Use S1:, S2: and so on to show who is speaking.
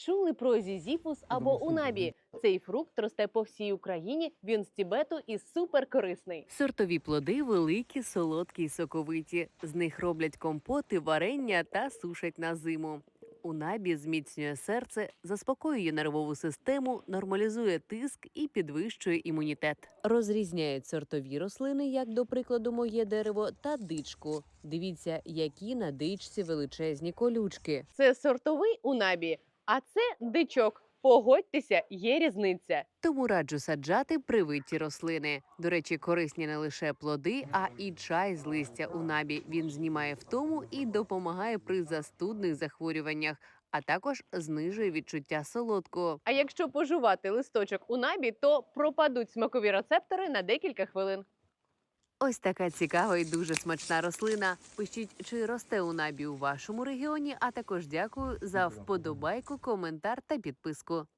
S1: Чули про зізіфус або унабі? Цей фрукт росте по всій Україні, він з Тібету і суперкорисний.
S2: Сортові плоди великі, солодкі й соковиті. З них роблять компоти, варення та сушать на зиму. Унабі зміцнює серце, заспокоює нервову систему, нормалізує тиск і підвищує імунітет. Розрізняють сортові рослини, як, до прикладу, моє дерево, та дичку. Дивіться, які на дичці величезні колючки.
S1: Це сортовий унабі, а це дичок. Погодьтеся, є різниця.
S2: Тому раджу саджати привиті рослини. До речі, корисні не лише плоди, а і чай з листя унабі. Він знімає втому і допомагає при застудних захворюваннях, а також знижує відчуття солодкого.
S1: А якщо пожувати листочок унабі, то пропадуть смакові рецептори на декілька хвилин.
S2: Ось така цікава і дуже смачна рослина. Пишіть, чи росте унабі у вашому регіоні, а також дякую за вподобайку, коментар та підписку.